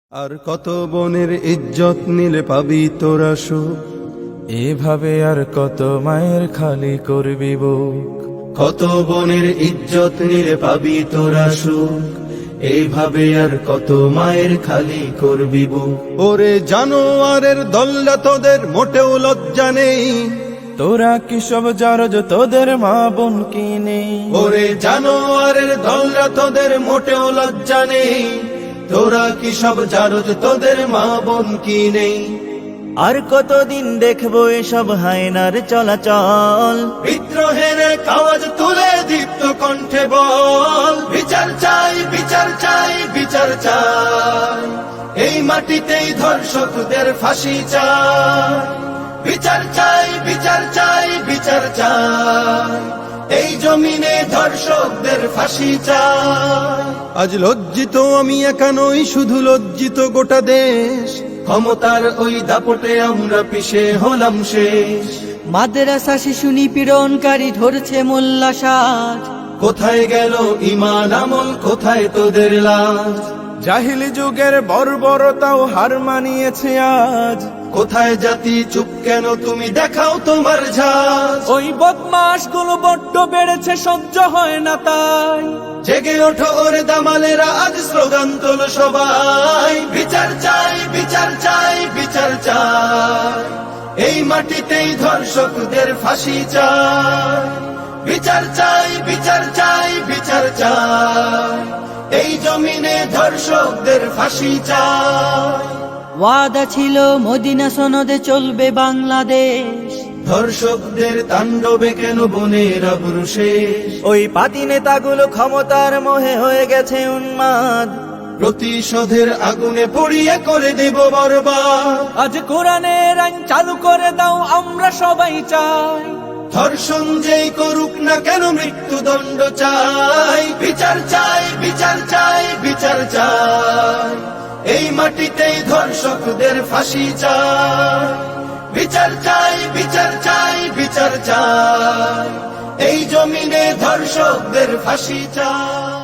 আর কত বনের ইজ্জত নিলে পাবি তোরা সুখ, এভাবে আর কত মায়ের খালি করবি বুক। কত বনের ইজ্জত নিলে পাবি তোরা সুখ, এইভাবে আর কত মায়ের খালি করবি বুক। ওরে জানোয়ারের দল্লা তোদের মোটেও লজ্জা নেই, তোরা কি সব জারজ তোদের মা বোন কি নেই? ওরে জানোয়ারের দল্লা তোদের মোটেও লজ্জা নেই, তোরা কি সব জারজ তোদের মা বোন কি নেই? আর কতদিন দেখবো এসব হায়নার চলাচল, বিদ্রোহের আওয়াজ তুলে দীপ্ত কণ্ঠে বল, বিচার চাই বিচার চাই বিচার চাই, এই মাটিতেই ধর্ষকদের ফাঁসি চাই। বিচার চাই বিচার চাই বিচার চাই, এই জমিনে ধর্ষকদের ফাঁসি চাই। আজ লজ্জিত আমি একা নই, শুধু লজ্জিত গোটা দেশ, ক্ষমতার ওই দাপটে আমরা পিছে হলাম শেষ। মাদ্রাসা শিশু নিপীড়নকারী ধরছে মোল্লা সাজ, কোথায় গেল ঈমান আমল, কোথায় তোদের লাজ? জাহিলি যুগের বর্বরতাও হার মানিয়েছে আজ। কোথায় জাতি চুপ কেন, তুমি দেখাও তোমার ঝাঁজ। ওই বদমাস গুলো বড্ড বেড়েছে, সহ্য হয় না তাই। জেগে ওঠো ওরে দামালেরা, আজ স্লোগান তোলো সবাই, বিচার চাই বিচার চাই বিচার চাই, এই মাটিতেই ধর্ষকদের ফাঁসি চাই। বিচার চাই বিচার চাই বিচার চাই, এই জমিনে ধর্ষকদের ফাঁসি চাই। ওয়াদা ছিল মদিনা সনদে চলবে বাংলাদেশ, ধর্ষকদের তাণ্ডবে কেন বনের আবরু শেষ? ওই পাতি নেতাগুলো ক্ষমতার মোহে হয়ে গেছে উন্মাদ, প্রতিশোধের আগুনে পড়িয়ে করে দেব বরবাদ। আজ কোরআনের আইন চালু করে দাও, আমরা সবাই চাই। ধর্ষণ যেই করুক না কেন মৃত্যুদণ্ড চাই। বিচার চাই বিচার চাই বিচার চাই, এই মাটিতেই ধর্ষকদের ফাঁসি চাই। বিচার চাই বিচার চাই বিচার চাই, এই জমিনে ধর্ষকদের ফাঁসি চাই।